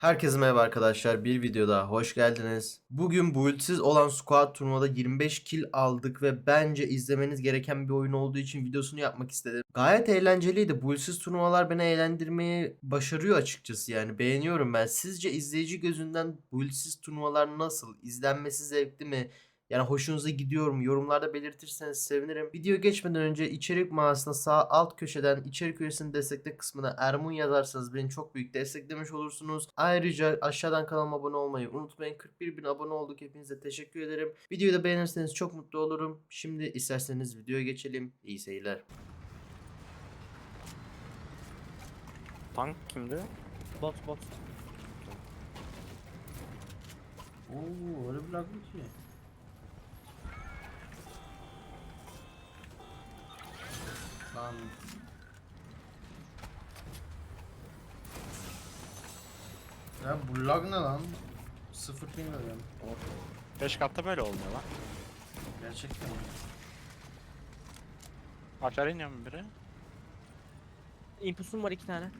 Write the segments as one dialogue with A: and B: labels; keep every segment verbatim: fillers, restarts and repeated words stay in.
A: Herkese merhaba arkadaşlar. Bir video daha hoş geldiniz. Bugün build'siz olan squad turnuvada yirmi beş kill aldık ve bence izlemeniz gereken bir oyun olduğu için videosunu yapmak istedim. Gayet eğlenceliydi. Build'siz turnuvalar beni eğlendirmeyi başarıyor açıkçası yani. Beğeniyorum ben. Sizce izleyici gözünden build'siz turnuvalar nasıl? İzlenmesi zevkli mi? Yani hoşunuza gidiyor mu? Yorumlarda belirtirseniz sevinirim. Video geçmeden önce içerik mağazasına sağ alt köşeden içerik üyesini destekle kısmına Ermun yazarsanız beni çok büyük desteklemiş olursunuz. Ayrıca aşağıdan kanalıma abone olmayı unutmayın. kırk bir bin abone olduk. Hepinize teşekkür ederim. Videoyu da beğenirseniz çok mutlu olurum. Şimdi isterseniz videoya geçelim. İyi seyirler.
B: Tank kimdi?
C: Bot bot.
A: Oo, öyle bir laglı ki. Lan. Ya bu lag ne lan? Sıfır ping veriyorum.
B: beş katta böyle olmuyor lan.
A: Gerçekten mi?
B: Aşağı iniyor mu biri?
C: Impulsum var iki tane.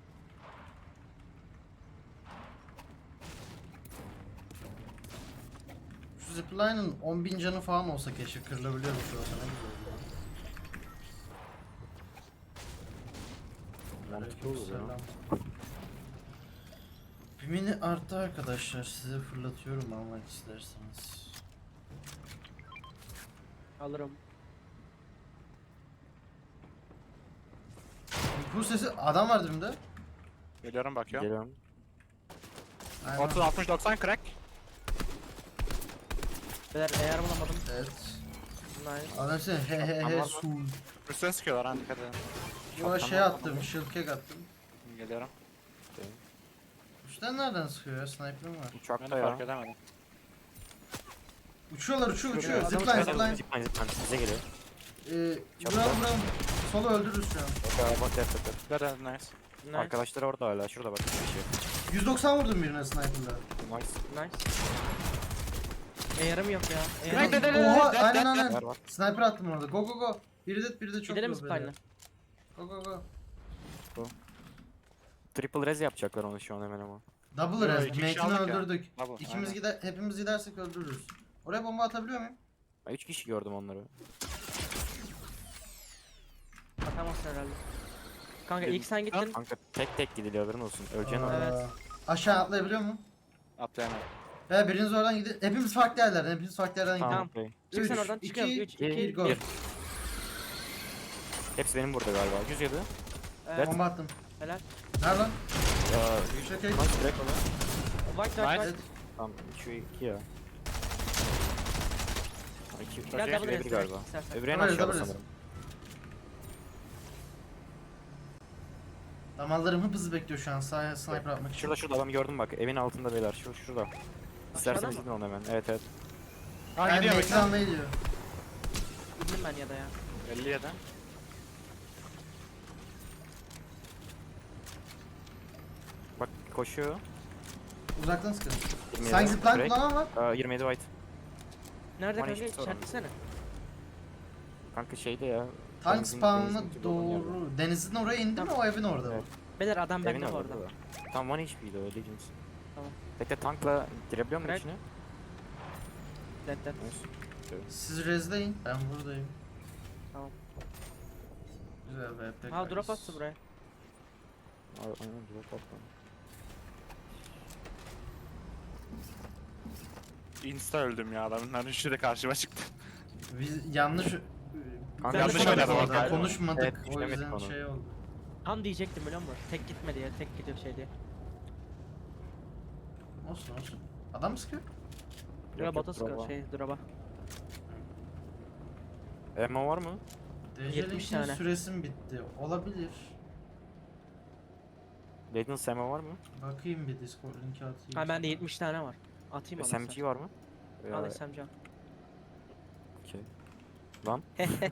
A: Şu zipline'ın on bin canı falan olsa keşke kırılabiliyor şu olsa ne güzel olur.
B: Mantıklı olur ya.
A: Aleykümselam. Bir mini arttı arkadaşlar, size fırlatıyorum almak isterseniz.
C: Alırım.
A: Bu sesi adam var dibimde.
B: Geliyorum bakıyorum.
D: Geliyorum.
A: Aynen.
B: otuz altmış doksan crack.
C: Beyler eğer bulamadım.
A: Evet.
C: Nice.
A: Adam seni he he
B: Tamam
A: he
B: mı?
A: su.
B: Üstüne sıkıyorlar ha, dikkat edin.
A: Buna şey attım, shield cake attım.
B: Geliyorum.
A: Üstten nereden sıkıyor ya? Sniper'ım var.
B: Ben
D: Uçakta
B: fark
D: ya.
B: edemedim.
A: Uçuyorlar, uçuyor, uçuyor.
C: Adam
A: Zipline,
C: uçuyor.
A: zipline.
D: Zipline zipline bize geliyor.
A: Ee,
D: Çabuk
A: vuralım,
D: ol.
A: vuralım. Solu öldürürüz şu an.
D: Bak bak yap yap yap.
B: Good and nice.
C: Nice.
D: Arkadaşlar orada hala. Şurada bak. Bir şey.
A: yüz doksan vurdum birine sniper'la.
D: Nice.
C: Nice. Eğerim yok ya.
B: Direkt
C: Eğerim
B: de-
C: yok.
B: de- de-
A: Oha,
B: de-
A: aynen
B: de-
A: aynen.
D: Var var.
A: Sniper attım orada. Go go go. Biri de biri de çok
C: Gidelim mi
A: low böyle.
C: Spine'la?
A: Go go go.
D: Triple res yapacaklar onu şu an hemen ama.
A: Double
B: Yo,
A: res.
B: iki kişi
A: Mate'ini
B: aldık ya.
A: öldürdük.
B: Double,
A: İkimiz
B: aynen.
A: gider, hepimiz gidersek öldürürüz. Oraya bomba atabiliyor muyum?
D: Ben üç kişi gördüm onları.
C: Atamazsın herhalde. Kanka ilk sen gittin.
D: Kanka tek tek gidiliyor haberin olsun. Öleceksin
A: Aa,
D: orada.
C: Evet.
A: Aşağı atlayabiliyor mu?
B: Atlayamam.
A: He biriniz oradan gidin. Hepimiz farklı yerlerden, hepimiz farklı yerlerden gidelim.
D: Tamam. okey.
C: Çık sen
A: Üç,
C: oradan
A: iki,
C: çıkıyorum. üç, iki,
A: bir, go.
C: bir.
D: Hepsi benim burada galiba. yüz yedi.
C: Evet.
A: Bomba attım.
C: Helal.
A: Nerede lan?
D: Ya
A: Yüksek el.
D: nice direkt ona.
C: White white
B: Nice.
C: white.
A: Evet.
D: Tamam şu iki ya. İki,
C: Gel
D: iki
C: double
D: ve
C: res
D: bir galiba.
C: istersen.
D: Öbürü en
A: Double res,
D: aşağıda
A: double res.
D: sanırım.
A: Damarlarım hıp hızlı bekliyor şu an sağ sniper atmak için.
D: Şurada şurada adamı gördüm bak. Evin altında beyler. Şu şurada. İsterseniz
C: mı?
D: gidin onu hemen. Evet evet.
B: Ha
A: Ben
B: gidiyor
A: Mate'ini
B: bakın.
A: almaya gidiyor.
C: Gittim ben ya da ya.
B: elli yedi.
D: Bak koşuyor.
A: Uzaktan sıkın.
D: yirmi yedi.
A: Sanki zipline
D: Direkt.
A: kullanan var.
D: Aa, yirmi yedi white.
C: Nerede
D: Bana
C: kanka?
D: hiçbir sorun yok.
C: İşaretlesene.
D: Kanka şeyde ya.
A: Tank
D: denizin-
A: spawn'ına
D: denizin dibinde olan yerde.
A: doğru. Denizin oraya indi mi o evin orada mı?
D: Evet.
C: Beyler adam
D: Evin
C: bende bu
D: orada.
C: arada.
D: da. Tam one H P'ydi o Legends.
C: Tamam.
D: Bekle tankla girebiliyor musun
C: Crack.
D: içine?
C: Dead dead.
D: Nice.
A: Siz rezleyin. Ben buradayım.
C: Tamam.
A: Güzel be. pek
C: Ha drop
A: nice.
C: attı buraya.
D: Ay- Aynen drop atma.
B: Insta öldüm ya, adamın üçü de karşıma çıktı.
A: Biz yanlış
D: Kanka
C: yanlış
A: konuşmadık
C: oynadım
A: orada,
C: orada.
A: konuşmadık.
D: Evet,
A: o
D: düşünemedik
A: yüzden
D: onu.
A: şey oldu.
C: Tam diyecektim biliyor musun? Tek gitme diye, tek gidiyor şey diye.
A: Olsun olsun. Adam mı sıkıyor?
C: Dura
D: yok,
C: bota sıkıyor
D: drop'a.
C: şey, drop'a.
D: Ammo var mı?
C: yetmiş
A: D J Link'in
C: tane.
A: süresi mi bitti? Olabilir.
D: Legends ammo var mı?
A: Bakayım bir Discord linki atayım.
C: Ha bende yetmiş tane var. Atayım mı?
D: S M G var mı? Ya,
C: Al S M G al.
D: okey. Lan.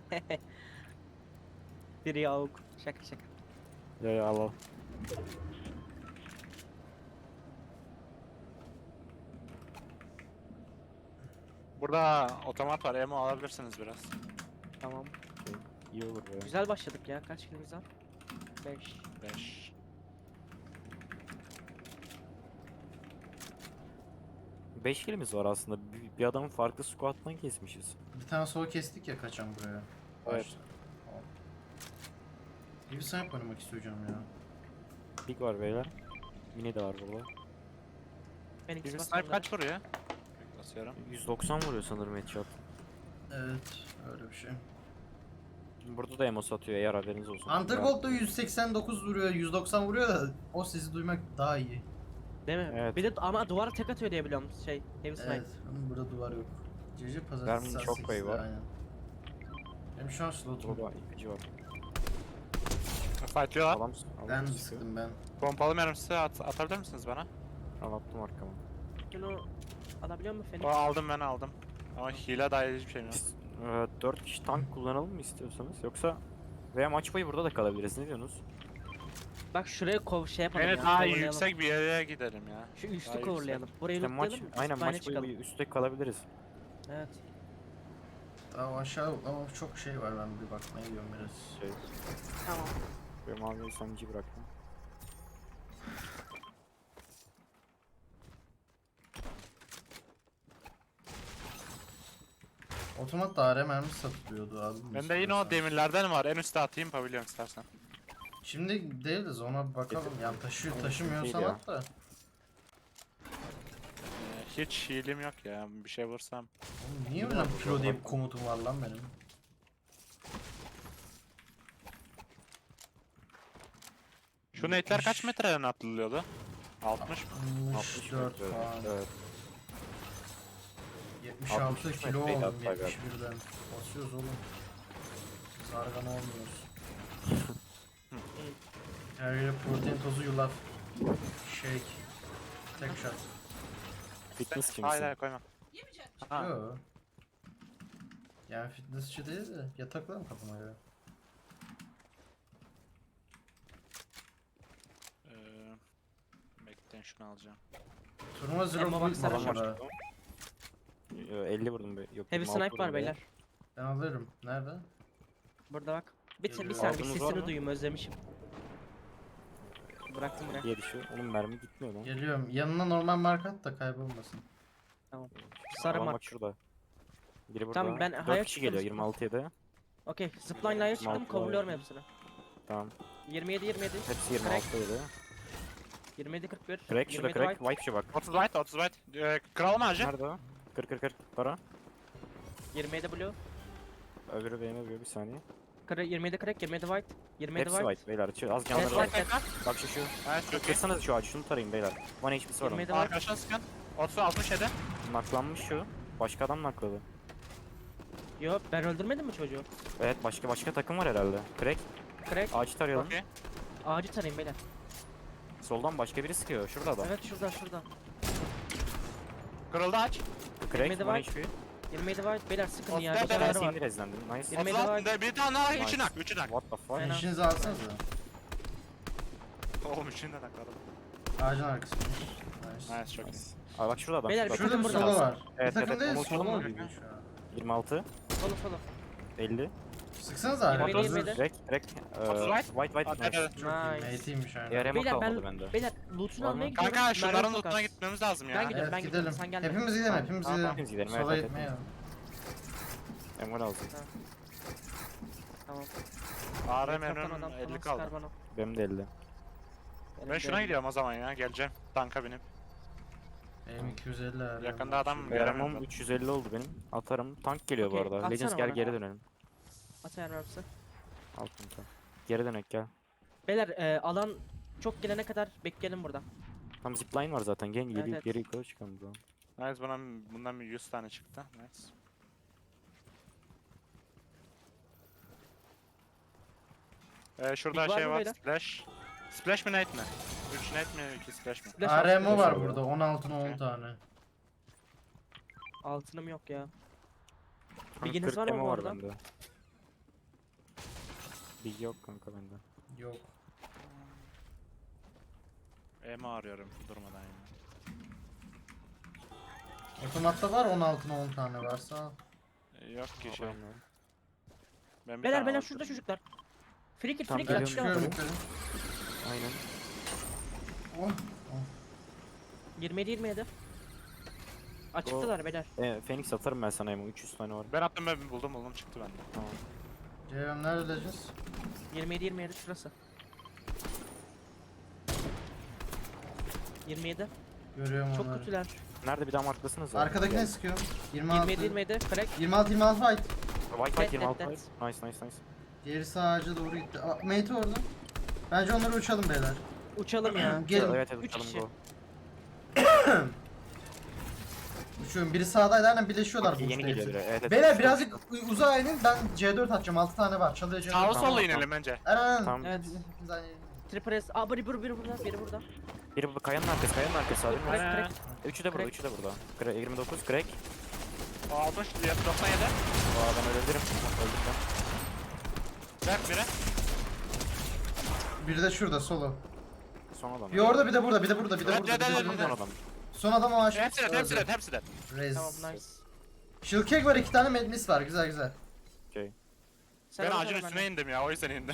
C: Biri yavuk. Şaka şaka.
D: Ya ya al al.
B: Burada otomat var, emo alabilirsiniz biraz.
C: Tamam.
D: Okey, İyi olur be.
C: Güzel başladık ya. Kaç kilimiz var? beş.
B: beş.
D: beş kilimiz var aslında. Bir, bir adamın farklı squat'tan kesmişiz.
A: Bir tane solo kestik ya kaçan buraya.
D: Evet.
A: Başta. Tamam. İyi bir snipe oynamak istiyorum ya.
D: Big var beyler. Mini de var burada.
C: Phoenix
B: Bizim
C: bas
B: snipe
C: onları.
B: kaç vuruyor? Basıyorum.
D: yüz doksan vuruyor sanırım headshot.
A: Evet öyle bir şey.
D: Burada da emo satıyor eğer haberiniz olsun.
A: Underworld da yüz seksen dokuz vuruyor, yüz doksan vuruyor da o sesi duymak daha iyi.
C: Değil mi?
D: Evet.
C: Bir de ama duvara tek atıyor diye biliyorum şey. Heavy snipe.
A: Evet ama burada duvar yok. C C pazartesi
D: Vermin
A: saat
D: çok
A: sekizde,
D: payı var.
A: aynen. Benim şu an slotum.
D: Burada ipici var.
B: Fightlıyorlar.
D: Adam,
A: Ben
D: adam sıkıyor.
A: sıktım ben.
B: Pompalı mermisi at atabilir misiniz bana?
D: Al attım arkama.
C: Şunu alabiliyor musun Phoenix?
B: O aldım ben aldım. Ama hile dahil hiçbir şeyim yok.
D: Biz e, dört kişi tank kullanalım mı istiyorsanız yoksa veya maç boyu burada da kalabiliriz ne diyorsunuz?
C: Bak şuraya kov şey yapalım
B: Yine
C: ya.
B: daha
C: coverlayalım.
B: yüksek bir yere gidelim ya.
C: Şu
B: Daha
C: üstü
B: yüksek.
C: coverlayalım. Burayı
D: İşte maç,
C: lootlayalım.
D: aynen
C: zipline
D: maç boyu
C: çıkalım.
D: üstte kalabiliriz.
C: Evet.
A: Daha aşağı ama çok şey var, ben bir bakmaya gidiyorum biraz.
D: Şey,
C: Tamam.
D: böyle mavi sanıcı bıraktım.
A: Otomat da A R mermi satılıyordu abi.
B: Bende yine o demirlerden var. En üstte atayım pavilyon istersen.
A: Şimdi değil de ona bir bakalım. Yani taşıyor,
D: Değil
A: taşımıyorsan
D: ya.
A: at da.
B: Ee, hiç healim yok ya. Bir şey vursam.
A: Oğlum niye öyle pro diye bir komutum var lan benim?
B: Şu nate'ler kaç metreden atılıyordu? altmış mı?
A: altmış dört
D: evet,
A: falan.
D: evet.
A: yetmiş altı
D: altmış üç
A: kilo
D: metreydi
A: oldum
D: hatta
A: yetmiş birden. Basıyoruz oğlum. Zargan olmuyoruz. Her yere protein tozu yulaf. Shake. Tek shot.
D: Fitness
B: Hayır
D: kimsin?
B: hayır koyma. Ha.
A: Yo. Yani fitnessçi değil de yataklarım kafama göre.
B: Ee, bekleyin şunu alacağım.
A: Turnuva zero
C: Emma
A: build
C: baksana
A: falan
C: şuna.
A: var ha.
D: Yo, elli vurdum be. Yok,
C: Heavy
D: yirmi altı
C: snipe var
D: vurdum be.
C: beyler.
A: Ben alırım. Nerede?
C: Burada bak. Bir, bir
A: Geliyor.
C: saniye bir
D: Aldınız var
C: sesini
D: mı?
C: duyayım özlemişim. Bıraktım buraya.
D: Diye düşüyor. Onun mermi gitmiyor lan.
A: Geliyorum. Yanına normal marka at da kaybolmasın.
C: Sarı
D: Adam
C: mark.
D: bak şurada. Biri burada.
C: Tamam, ben
D: dört
C: hayat
D: kişi
C: çıktım.
D: geliyor yirmi altıya da.
C: Okey. Zipline'la çıktım.
D: Altı var.
C: Coverlıyorum hepsini.
D: Tamam.
C: yirmi yedi yirmi yedi.
D: Hepsi yirmi
C: Crack.
D: altıya da.
C: yirmi yedi kırk bir.
D: Crack şurada
C: yirmi yedi
D: crack.
C: white.
D: White şu bak.
B: otuz white otuz white. Ee, kralım ağacı.
D: Nerede o? kırk kırk kırk para.
C: yirmi yedi blue.
D: Öbürü benim öbürü bir saniye.
C: Kırk- yirmi yedi crack. yirmi yedi white. yirmi yedi
D: Hepsi
C: white.
D: white beyler. Şu- Az
C: Evet,
D: canları var.
C: white.
D: Bak şu şu.
B: Evet çok iyi.
D: Kırsanız şu ağacı şunu tarayın beyler. bir H P'si var onun.
C: yirmi yedi white.
B: Arkadaşlar sıkın. otuz altmış yedi.
D: Naklanmış şu. Başka adam nakladı.
C: Yo ben öldürmedim mi çocuğu?
D: Evet başka başka takım var herhalde. Crack.
C: Crack.
D: Ağacı tarayalım.
B: Okey.
C: Ağacı tarayın beyler.
D: Soldan başka biri sıkıyor. Şurada adam.
C: Evet şurada şurada.
B: Kırıldı ağaç.
D: Crack.
C: yirmi
D: bir
C: yedi
D: H P.
C: yirmi yedi white. Beyler sıkın
B: Of,
C: ya.
B: ben-
C: Bir
B: ben-
C: tane
D: Tanesi
C: var.
D: indi rezlendim. Nice.
C: Yirmi yedi
B: otuz
C: white.
B: altı bir tane daha
D: Nice.
B: üçün hak üçün hak.
D: What the fuck?
C: Aynen.
A: İşinizi alsanıza.
B: Oğlum üçün de takladım.
A: Ağacın arkasında. Nice.
B: Nice çok iyi.
D: Aa bak şurada adam.
C: Beyler,
D: şurada.
C: bir
A: Şurada bir
C: burada
A: solo
C: alsın.
A: var.
D: Evet,
A: bir takım
D: evet,
A: değil,
D: onu
A: solo
D: uçalım
A: mu
D: mı?
A: gidiyor şu an?
D: yirmi altı.
C: Solu solu.
D: elli.
A: Sıksanıza abi.
C: Yirmi yedi,
A: hazır.
C: yirmi yedi.
D: Crack. Crack.
B: otuz
D: Ee,
B: white.
D: White white.
B: Hadi,
D: Nice.
B: hadi.
A: Çok iyi.
C: Nice.
A: Mate'iymiş aynen.
D: Diğer emo
C: Beyler
D: kalmadı
C: ben
D: bende.
C: beyler loot'unu
D: Var mı?
C: almaya gidiyorum.
B: Kanka
C: Mermi
B: şunların
C: çok
B: lootuna
C: az.
B: gitmemiz lazım
C: Ben
B: ya.
C: gidiyorum.
A: Evet
C: gidiyorum,
A: gidelim.
C: sen gelme.
A: Hepimiz gidelim, hepimiz
C: Tamam,
A: gidelim.
D: hepimiz gidelim, evet,
A: Sola
D: evet,
A: gitmeyelim.
D: Emo lazım.
C: Tamam.
B: A R
C: Etraftan
B: M'nin
C: adam
B: elli
C: falan
B: kaldı.
C: sıkar bana.
D: Benim de elli.
C: Benim
B: Ben
C: de
B: şuna
C: elli.
B: gidiyorum o zaman ya. Geleceğim. Tanka binip.
A: Benim iki yüz elli abi.
B: Yakında adam
A: Şimdi-
B: Göremem
D: Yaramam
B: ben.
D: üç yüz elli oldu benim. Atarım. Tank geliyor bu
C: Okey,
D: arada.
C: atsana
D: Legends gel
C: bana.
D: geri dönelim.
C: At ayar mermisi.
D: Al kanka. Geri dönek gel.
C: Beyler e, alan çok gelene kadar bekleyelim burada.
D: Tam zipline var zaten. Gel geri,
C: Evet, evet.
D: geri yukarı çıkalım buradan.
B: Nice bundan, bundan bir yüz tane çıktı. Nice. Ee, şurada
C: Big var
B: şey
C: mı
B: var.
C: beyler?
B: Splash. Splash mi nade mi? üç nade mi iki splash mi?
C: Flash
A: A R
C: at,
A: M
C: flash
A: var
C: at.
A: burada. on altına on tane.
C: Altınım yok ya.
D: Kanka
C: Bilginiz
D: kırk
C: var mı
D: emo
C: bu
D: var
C: arada?
D: bende. Big yok kanka bende.
A: Yok.
B: Emo arıyorum durmadan ya.
A: Otomatta var on altına on tane varsa. al.
B: Ee, Yok ki şey.
D: Tamam.
B: Ben bir
C: Beyler
B: tane
C: beyler
B: aldım.
C: şurada çocuklar. Free kill
D: Tam
C: free kill
D: geliyorum,
C: açıkta
A: Çıkıyorum
C: bakalım.
A: yukarı.
D: Aynen.
A: Oh.
C: yirmi yedi yirmi yedi. Açıktılar beyler.
D: E, Phoenix atarım ben sana Emo. üç yüz tane var.
B: Ben attım ben buldum buldum çıktı bende.
D: Tamam.
A: Ceyhun nerede öleceğiz?
C: yirmi yedi yirmi yedi şurası. yirmi yedi.
A: Görüyorum
C: Çok
A: onları.
C: kötüler.
D: Nerede bir daha marklasınız ya?
A: Arkadakine sıkıyorum. yirmi altı.
C: yirmi yedi yirmi yedi. Crack.
A: yirmi altı yirmi altı fight.
D: White
C: Dead,
D: White yirmi altı.
C: dead,
D: Nice nice nice.
A: Gerisi ağaca doğru gitti. Aa, mate orada. Bence onları uçalım beyler.
C: Uçalım ya.
A: Gelin.
D: Evet evet
C: Üç
D: uçalım
C: kişi.
D: go.
A: Uçuyorum. Biri sağdaydı aynen birleşiyorlar.
D: Okey,
A: bu
D: yeni
A: işte
D: geliyor
A: hepsi.
D: biri. Evet, evet.
A: Beyler birazcık u- uzağa inin. Ben C dört atacağım. altı tane var. Çalıya C dört.
B: Sağa
A: var.
B: sola
D: tamam.
B: inelim bence.
A: Aynen aynen.
D: Tamam.
C: Evet.
A: Hepimiz aynı yere.
C: Triple S. Aa biri biri biri burada. Biri burada.
D: Biri bu kayanın arkası, kayanın arkası abi.
C: Crack
B: Aynen.
C: crack.
D: Üçü de burada,
C: Crack.
D: üçü de burada. Crack, yirmi dokuz, crack.
B: altmış doksan yedi.
D: O adam ölebilirim. Öldüm ben.
B: Ver biri.
A: Biri de şurada solo.
D: Son adam.
A: Bir orada bir de burada bir de burada bir de
B: Evet,
A: burada. Bir de
B: evet,
A: burada.
B: evet,
A: bir de-
D: Son adam.
A: Son adam o aşağı.
B: Hepsi de hepsi de hepsi de.
A: Rez.
C: Tamam nice.
A: Shield cake var, iki tane medmis var. Güzel güzel.
D: Okey.
C: Sen
B: Ben
C: orada
B: ağacın
C: hemen.
B: üstüne indim ya o yüzden indim.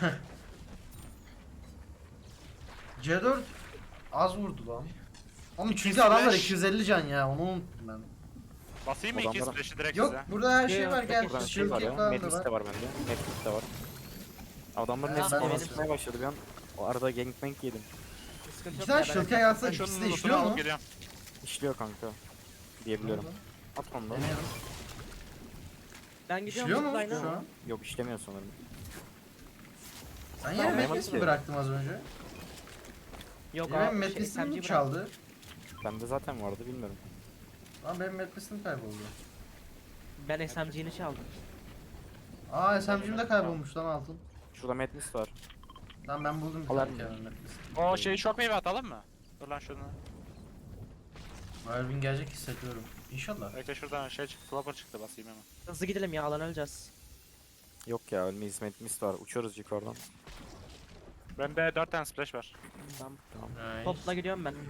A: C dört az vurdu lan. Oğlum
B: İki
A: çünkü adamlar
B: splash.
A: iki yüz elli can ya. Onu unuttum ben.
B: Basayım mı iki
D: Adamlara-
B: splash'ı direkt
A: Yok
B: size?
A: burada her şey
C: Yok,
A: var.
C: yok,
A: Gel.
D: Buradan şey
A: Shield
D: var
A: cake
D: ya.
A: falan da
D: Medlis
A: var.
D: de var bende. Medlis de var. Adamların
A: Ha,
D: hepsi
A: ben
D: bana
A: de
D: sıkmaya başladı bir an. O arada gangbang yedim.
C: Sıkıntı
A: İki
C: yok
A: tane
C: ya,
A: shield
C: ben-
A: cake atsa
B: Ben şunun
A: ikisi de
B: lootunu
A: işliyor mu?
B: alıp geliyorum.
D: İşliyor kanka. Diyebiliyorum. At onu da.
A: Deneyelim.
C: Ben gidiyorum.
A: İşliyor mu
C: zipline.
A: şu an?
D: Yok işlemiyor sanırım.
A: Sen yine
D: Tamam,
A: medmis
D: yapmadım
A: mi
D: ki.
A: bıraktım az önce?
C: Yok
A: Benim
C: abi. Şey,
A: medmisimi
C: S M G
A: mi
C: bırak.
A: çaldı?
D: Bende zaten vardı bilmiyorum.
A: Lan benim medmisim kayboldu.
C: Ben S M G'ni çaldım.
A: Aa S M G'm de kaybolmuş lan altın.
D: Şurada Medlis var.
A: Lan ben buldum bir
D: Alar
A: tane
D: mı?
A: Kevin medmis.
B: O şeyi şok meyve atalım mı? Dur lan şunu.
A: Marvin gelecek hissediyorum. İnşallah.
B: Bekle şuradan şey çıktı, flopper çıktı basayım hemen.
C: Hızlı gidelim ya alan öleceğiz.
D: Yok ya ölmeyiz Medlis var. Uçuyoruz yukarıdan.
B: Bende dört tane splash var.
C: Tamam.
A: Nice.
C: Topla gidiyorum ben.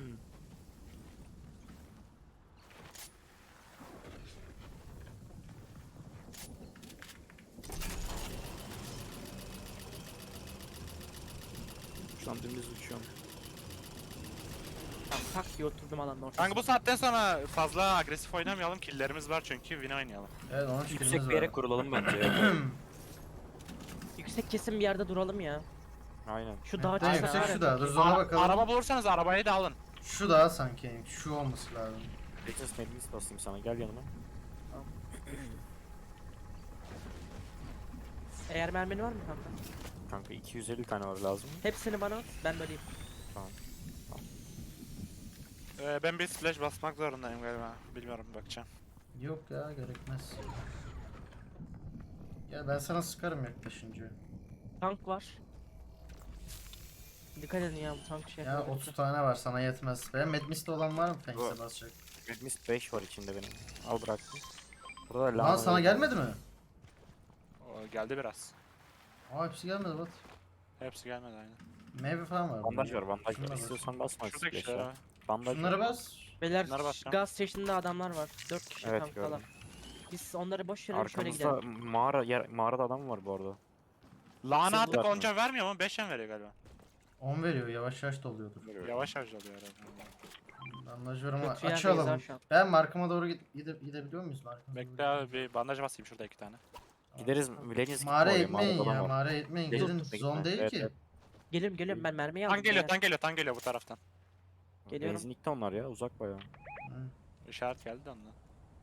D: Şu an dümdüz uçuyorum.
C: Tamam tak diye oturdum alanın ortasına.
B: Kanka bu saatten sonra fazla agresif oynamayalım. Killlerimiz var çünkü win oynayalım.
A: Evet onun
D: Yüksek
A: fikrimiz
D: bir yere
A: var.
D: kurulalım bence.
C: Yüksek kesin bir yerde duralım ya.
D: Aynen.
C: Şu dağa
A: Ne
C: çıksana
A: yüksek
C: var ya.
A: şu da. Dur zona
B: Ara-
A: bakalım.
B: Araba bulursanız arabayı da alın.
A: Şu da sanki. Şu olması lazım.
D: Business Medlis basayım sana gel yanıma.
C: Eğer mermini var mı kanka?
D: Kanka iki yüz elli tane var lazım.
C: Hepsini bana at, ben böleyim.
B: Ee, ben bir splash basmak zorundayım galiba. Bilmiyorum bakacağım.
A: Yok ya gerekmez. Ya ben sana sıkarım yaklaşınca.
C: Tank var. Dikkat edin ya bu tank şey
A: Ya
C: yapıyor.
A: otuz tane var sana yetmez. Benim medmiste olan var mı Fenix'e
D: Var.
A: basacak?
D: Medlis beş var içinde benim. Al bıraktım. Burada da
A: Lan
D: lama
A: sana
D: yok.
A: gelmedi mi?
B: O geldi biraz.
A: Aa hepsi gelmedi bak.
B: Hepsi gelmedi aynen.
A: Meyve falan var.
D: Bandaj
A: bunda.
D: var bandaj
A: Şunlara
D: var.
A: bas.
D: İstiyorsan basma.
B: Şuradaki
D: Beş
B: şey.
D: var. Bandaj
A: Şunları
D: var.
A: bas.
C: Beyler
B: Bunlara basacağım.
C: gaz station adamlar var. dört kişi
D: Evet,
C: tanktalar.
D: gördüm.
C: Biz onları boş verelim şöyle
D: Arkamızda
C: gidelim.
D: mağara yer, mağarada adam var bu arada.
B: Lana
D: Sekiz
B: attık
D: var.
B: onca vermiyor mu? beş veriyor galiba.
A: on veriyor yavaş yavaş doluyordur.
B: Yavaş yavaş oluyor herhalde.
A: Bandaj var ama
C: Kötü yerdeyiz
A: açalım.
C: ha şu an.
A: Ben markama doğru gide, gide, gidebiliyor muyuz? Markama
B: Bekle abi bir bandaj basayım şurada iki tane.
D: Gideriz Millennium
A: Mağara
D: oraya,
A: etmeyin
D: mağarada
A: ya,
D: adam var.
A: mağara etmeyin.
D: Gidin,
A: Gelin,
D: gitme,
A: zon
D: gitme.
A: değil
D: Evet,
A: ki.
D: evet.
C: Geliyorum geliyorum ben mermiyi aldım.
B: Tank geliyor,
C: beyler.
B: tank geliyor, tank geliyor bu taraftan.
C: Geliyorum.
D: Benzinlikte onlar ya uzak bayağı.
A: Hı.
B: İşaret geldi de ondan.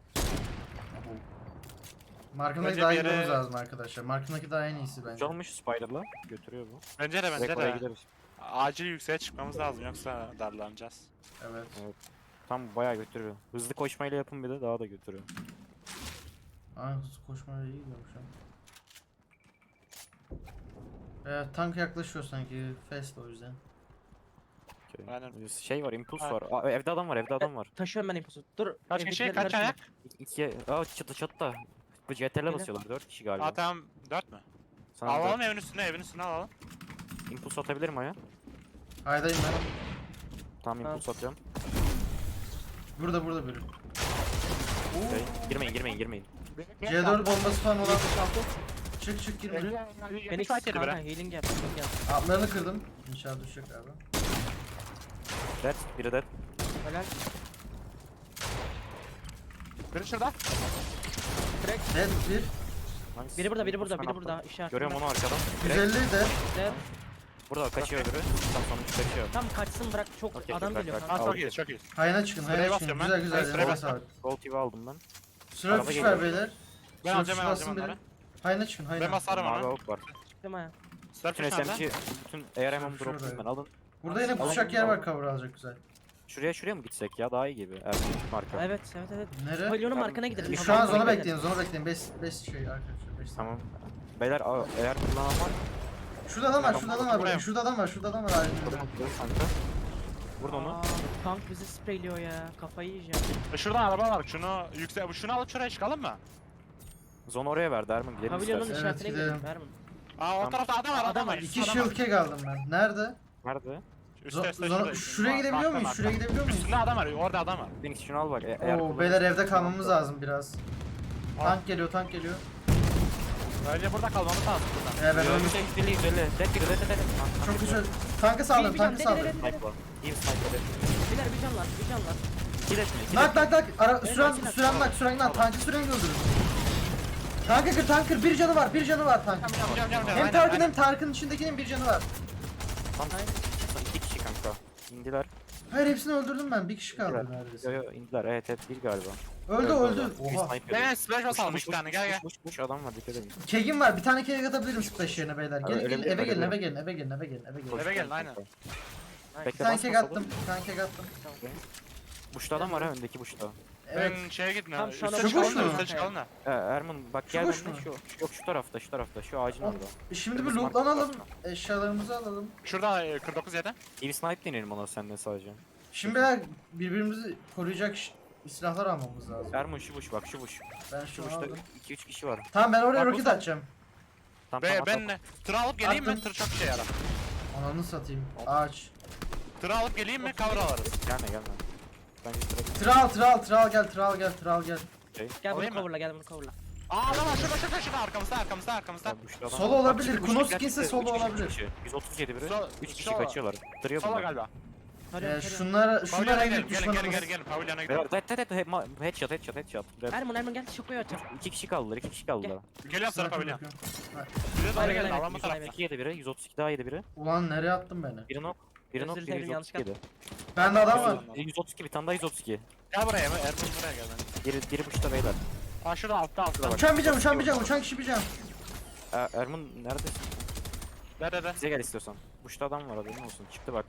A: Markamdaki
B: Bence
A: daha
B: bir
A: iyi
B: yere-
A: gitmemiz lazım arkadaşlar. Markamdaki daha en iyisi bence.
D: Uçalmış Spider'la götürüyor bu.
B: Bence de bence
D: Direkt oraya
B: de.
D: gideriz.
B: Acil yükseğe çıkmamız lazım yoksa darlanacağız.
A: Evet.
D: Tam bayağı götürüyor. Hızlı koşmayla yapın bir de daha da götürüyor.
A: Ay hızlı koşmaya iyi gidiyorum şu an. Evet, tank yaklaşıyor sanki. Fast o yüzden.
D: Okay.
B: Aynen.
D: Şey var, impuls
B: Ha.
D: var. Aa, evde adam var, evde adam var.
C: Taşıyorum ben impusu. Dur.
B: Kaç
C: evdekileri
B: kişi? Kaç
C: karıştırma.
B: ayak?
D: İkiye, aa çatı çatıda. Bu C T R'le basıyorlar, dört kişi galiba.
B: Aa tamam dört mü?
D: Sana
B: Alalım
D: dört-
B: evin üstüne, evin üstüne alalım.
D: impuls atabilirim aya.
A: Haydayım ben.
D: Tamam
C: Tamam.
D: impuls atıyorum.
A: Burada burada biri.
D: Okay. Girmeyin, girmeyin, girmeyin.
A: C dört bombası falan olan. Çık çık girme.
C: Phoenix
B: Fight yedi
C: kanka
B: bre.
C: healing yap. Healing yap.
A: Altlarını kırdım. İnşallah düşecek abi.
D: Dead, biri dead.
C: Helal.
B: Biri şurada.
A: Dead bir.
D: Nice.
C: Biri burada, biri burada,
D: Sen
C: biri
D: atla.
C: burada. İşaret.
D: Görüyorum onu arkadan.
A: yüz
D: Direkt
A: elli de.
C: Evet.
D: burada kaçıyor öbürü. Tam sonuç kaçıyor.
C: Tam kaçsın bırak çok
D: Okey,
C: adam
D: bak,
C: geliyor
D: bak,
C: kanka.
B: Aa
D: Al.
B: çok iyi çok iyi.
A: Hayına çıkın,
B: Sıraya
A: hayına çıkın.
B: basıyorum
A: Güzel
B: ben.
A: güzel.
B: Sıraya
A: Eline
B: basıyorum.
A: sağlık.
D: Gold T V aldım ben.
A: Sıra
D: Araba
A: fiş
D: geliyor.
A: ver beyler.
B: Ben
A: Sıra
B: alacağım
A: fiş
B: ben
A: bassın
B: alacağım
A: biri.
B: onları.
A: Hayına çıkın, hayına.
B: Ben basarım
D: Mavi
B: onu.
D: ok var.
C: Çıktım ha.
D: Bütün
B: Surface
D: S M
B: nerede?
D: G, bütün A R M'ı
A: Şurada.
D: drop'layım ben. Alın.
A: Burada yine
C: Alın,
A: pusacak yer
D: alın.
A: var, cover alacak güzel.
D: Şuraya şuraya mı gitsek ya? Daha iyi gibi. Evet, marka.
C: Evet evet evet.
A: Nere?
C: Pavyonun
D: Ben-
C: markana gidelim.
A: E, Şu
C: Tamam,
A: an zona
C: gidelim.
A: bekleyin, zona bekleyin. beş beş şey arkadaşlar. beş
D: Tamam. Beyler a- eğer kullanan var.
A: Şurada adam var,
D: Tamam,
A: şurada adam var.
B: buraya
A: Bakın
B: mı?
A: şurada adam var, şurada adam var. Aydın'da.
D: Buradan gidiyoruz kanka. Vurdu onu.
C: Aa, tank bizi spreyliyor ya. Kafayı yiyeceğim.
B: E, Şurada araba var. Şunu yüksek şunu alıp şuraya çıkalım mı?
D: Zon oraya verdi Ermin gidelim
C: Pavyonun
D: istersen.
A: Evet,
C: işaretine
A: gidelim.
C: gidelim. Vermin.
B: Aa o
D: Tamam.
B: tarafta adam var.
C: Adam
B: Adam
C: var,
B: var.
A: İki
B: Adam
A: shield
B: var.
A: keg aldım ben. Nerede?
D: Nerede?
B: Üstte
A: Zo-
B: üstte
A: zona-
B: şurada.
A: şuraya gidebiliyor
B: Markta,
A: muyuz?
B: markta.
A: Şuraya gidebiliyor muyuz?
B: Üstünde adam var. Orada adam var.
D: Phoenix şunu al bak. e- eğer
A: Oo,
D: kullanırsan-
A: beyler evde kalmamız lazım biraz.
B: Aa.
A: Tank geliyor, tank geliyor.
B: Bence burada kalmamız lazım buradan.
A: Ee, ben ölmüş.
D: yüz elli yüz elli. Dead biri dead dead dead.
A: Çok güzel. Tankı saldım,
C: Bir-
A: tankı
C: bir
A: saldım.
C: can,
D: Sniper. İyi bir sniper dead.
C: Beyler bir can var, bir can var.
D: İki dead mi? İki
A: Nak
D: dead mi?
A: nak nak. Ara,
C: Evet,
A: süren,
C: makine.
A: süren nak, süren nak. Tankı süren öldürün. Tankı kır, tankı kır. Bir canı var, bir canı var tankın.
B: Cam cam cam cam.
A: Hem
B: Aynen,
A: Tark'ın
B: aynen.
A: hem Tark'ın içindekinin bir canı var.
D: Tam iki kişi kanka. İndiler.
A: Hayır hepsini öldürdüm ben. Bir kişi kaldı
D: İndiler. Yo
A: neredeyse.
D: yo indiler. Evet evet bir galiba.
A: Öldü
D: Evet,
A: öldü.
D: Bir
A: Oha.
D: sniper.
B: Ben splash basalım
D: Push,
B: iki
D: push,
B: tane
D: push,
B: gel gel.
D: push, push, push, adam var dikkat edin.
A: Kegim var. Bir tane keg atabilirim splash yerine beyler.
D: Abi,
A: Gelin
D: öyle
A: gelin
D: bir-
A: eve
D: öyle
A: gelin
D: bir-
A: eve gelin eve gelin eve gelin eve gelin.
B: Eve gelin, aynen.
A: Bir
D: Bekle
A: tane
D: basma
A: keg
D: sola.
A: attım. Bir tane keg attım.
D: Buşta adam var ha öndeki buşta.
A: Evet.
B: Ben şeye gitmiyorum.
C: Tam şu
B: Üste
C: anda
B: çıkalım
A: boş
B: da
A: mu?
B: üste çıkalım da.
D: Ee, Erman bak
A: Şu
D: gel
A: boş
D: benimle
A: mu?
D: şu, şu yok şu tarafta şu tarafta şu ağacın
A: O-
D: orada.
A: Şimdi bir
D: Kırmızı
A: lootlanalım.
D: marka.
A: Eşyalarımızı alalım.
B: Şurada e, kırk dokuz yedi.
D: T V snipe deneyelim ona seninle sadece.
A: Şimdi beyler birbirimizi koruyacak ş- silahlar almamız lazım.
D: Erman şu buş bak şu buş.
A: Ben
D: Şu
A: şunu
D: buşta
A: aldım.
D: iki üç kişi var.
A: Tamam ben oraya
B: Bak,
A: roket
B: bu-
A: atacağım.
D: Tam
B: Be,
D: tam
B: ben tır alıp geleyim mi?
A: Attım.
B: Tır çok işe yarar.
A: Ananı satayım. Ağaç.
B: Tır alıp geleyim mi? Cover alırız.
D: Gelme gelme. Bence direkt
A: Tral tral tral gel tral gel tral gel.
C: Gel bunu
B: Alayım mı?
C: coverla, gel bunu coverla.
B: Aa adam var şurada şurada şurada arkamızda arkamızda arkamızda.
D: Ya buşta adam
A: Solo
D: var.
A: olabilir,
D: Bak, şu
A: Kunos
D: buş-
A: skinse
D: üç
A: solo
D: kişi, üç
A: olabilir.
D: kişi. yüz otuz yedi biri.
B: Sol-
D: üç kişi
B: sola.
D: kaçıyorlar. Duruyor
B: Sola
D: bunlar.
B: galiba.
C: Tarıyorum,
A: Ee,
C: tarıyorum.
A: şunlara şunlara
B: Pavilyona
A: en
B: gelin
A: büyük
B: gelin gelin
A: düşmanımız.
B: gelin gelin pavilyona
D: Beyler
B: gidelim.
D: dead dead dead he- headshot headshot headshot. Dead.
C: Erman Erman gel şokoyu atacağım.
D: İki kişi kaldılar iki kişi kaldılar.
B: Geliyorum sana
A: Sniper
B: pavilyon.
A: yapıyorum.
B: Biri doğru
C: Aynen,
B: gelin
C: aynen.
B: alan bu
C: Yüz
B: tarafta.
C: aynen.
D: iki yedi biri yüz otuz iki daha yedi biri.
A: Ulan nereye attın beni?
D: Biri nok. Biri nok
C: Özür
D: biri
C: dilerim,
D: yüz otuz iki yedi.
A: Bende adam var.
D: yüz otuz iki bir tane daha yüz otuz iki.
B: Gel buraya mı? Ergun buraya gel ben.
D: Biri, biri buşta beyler.
B: Aa şurada altta altta.
A: Uçan bir can uçan bir can uçan kişi bir can.
D: Er, Erman neredesin?
B: De de de.
D: Bize gel istiyorsan. Buşta adam var haberin olsun. Çıktı bak.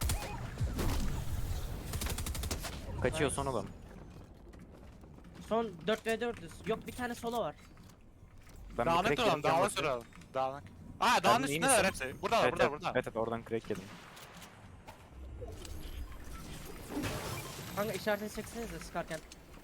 D: Kaçıyor son adam.
C: Son dört ve dördüz. Yok bir tane solo var.
D: Ben bir
B: Dağınık
D: crack
B: duralım
D: yedim,
B: dağınık
D: canım.
B: duralım. Dağınık. Aa dağın
D: iyi
B: üstündeler
D: misin?
B: hepsi. Buradalar
D: Evet,
B: burada
D: evet,
B: burada.
D: evet evet oradan crack yedim.
C: Kanka işaretini çeksenize sıkarken.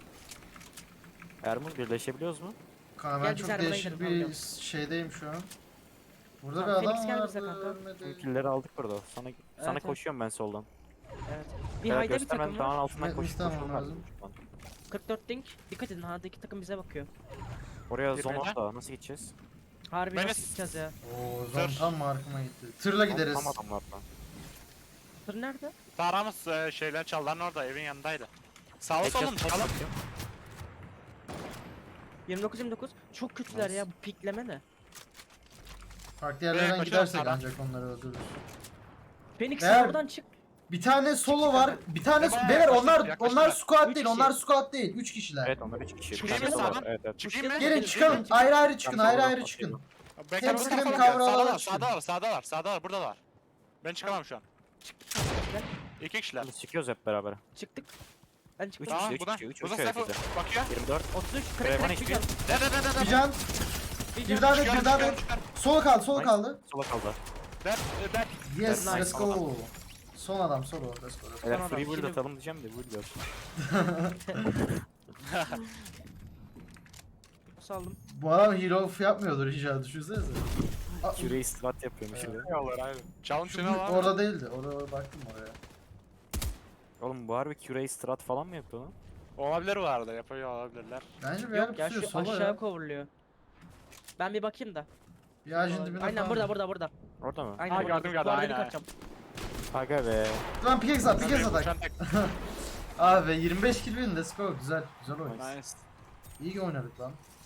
D: Erman birleşebiliyoruz mu?
A: Kanka ben
C: Gel biz
A: çok
C: arabaya
A: değişik
C: gidelim,
A: bir şeydeyim şu an. Burada
C: Tamam,
A: bir adam
C: Phoenix gel bize
A: vardı.
C: kanka.
A: ölmedi.
D: Tüm killleri aldık burada. Sana sana
C: evet.
D: koşuyorum ben soldan.
C: Evet. Bir
D: Beyler
C: hayda bir
D: göstermeden
C: takım
D: dağın
C: var.
D: altından
A: Ne-
D: koşup
A: istemem
D: koşalım
A: lazım.
D: lazım.
C: kırk dört dink. Dikkat edin hardaki takım bize bakıyor.
D: Oraya
B: Bir
D: zone
B: beyler.
D: da nasıl gideceğiz?
C: Harbi
B: Ben
C: nasıl
B: de-
C: gideceğiz ya?
A: Oo zon
B: Tır.
A: tam markıma gitti. Tırla gideriz.
D: Tam adamlardan.
C: Tır nerede?
B: Tarağımız e, şeyler çalların orada evin yanındaydı. Sağa
D: Headshot,
B: solum çıkalım.
D: headshot.
C: yirmi dokuz yirmi dokuz. Çok kötüler
D: Nice.
C: ya bu pikleme ne?
A: Farklı yerlerden
B: kaçalım
A: gidersek
B: sağdan.
A: ancak onları öldürürüz.
C: Phoenix
A: Eğer-
C: oradan çık.
A: Bir tane solo var. Bir tane
B: E, bayağı
A: beyler
B: yaklaştık,
A: onlar
B: yaklaştık.
A: onlar squad
C: Üç
A: değil.
C: kişi.
A: Onlar squad değil. üç kişiler.
D: Evet onlar üç kişi.
C: Çıkayım
D: Bir tane
B: mı
D: var,
B: sağdan?
D: Evet evet.
B: Çıkayım mı?
A: Gelin
C: Gelin,
A: çıkalım.
C: gelin.
A: Ayrı ayrı çıkın.
D: Ben
A: Ayrı
D: solo
A: ayrı
D: atıyorum.
A: çıkın.
B: Backup
A: Hepsi
B: kafalı
A: benim
B: gel.
A: kavralarla
B: Sağdalar
A: çıkın.
B: sağdalar sağdalar sağdalar buradalar. Ben çıkamam şu an.
C: Gel.
B: İki kişiler.
D: Biz çıkıyoruz hep beraber.
C: Çıktık. Ben çıktım.
D: Üç
B: Tamam
D: kişi, üç
B: buradan.
D: kişi, üç,
B: Burada
D: üç evet
B: Sefo
D: bize.
B: bakıyor.
D: yirmi dört.
C: otuz üç
D: Reyvan
C: crack crack bir
D: H P.
C: can.
B: De de de de
A: Bir
B: de.
A: can.
C: Bir
A: Bir
C: can.
A: daha da
B: Çıkıyorum,
A: bir daha
B: çıkıyorum,
A: da.
B: çıkıyorum.
A: Solo kaldı. Solo
D: Nice.
A: kaldı.
D: Sola kaldı.
B: De de.
A: Yes,
D: Nice.
A: let's go. Son adam solo. Let's go.
D: Eğer
C: adam,
D: free build
C: şimdi-
D: atalım diyeceğim de build yok.
C: Saldım.
A: Bu adam hero off yapmıyordur inşallah düşünsenize. Aa,
D: Küreyi strat yapıyormuş
A: Evet.
D: şurada.
B: Ne olur aynen. Çalım
A: şu
B: şuna var.
A: orada değildi. Orada baktım oraya.
D: Oğlum bu harbi küreyi strat falan mı yapıyor lan?
B: Olabilir bu arada yapıyor olabilirler.
A: Bence bir
C: Yok
A: yer
C: ya
A: pusuyor
C: şu
A: solo
C: aşağı
A: ya.
C: coverlıyor. Ben bir bakayım da.
A: Bir ağacın dibinde
C: Aynen
A: falan.
C: burada burada burada.
D: Orada mı?
C: Aynen
B: Ha,
C: burada.
B: gördüm, gördüm,
C: Duvardan
B: aynen,
C: kaçacağım.
D: Aga be.
A: Lan pickaxe at,
B: Tabii,
A: pickaxe
B: uçan
A: atak.
B: tek-
A: Abi yirmi beş kill win, let's go. Güzel, güzel oyun.
B: Nice.
E: İyi oynadık lan.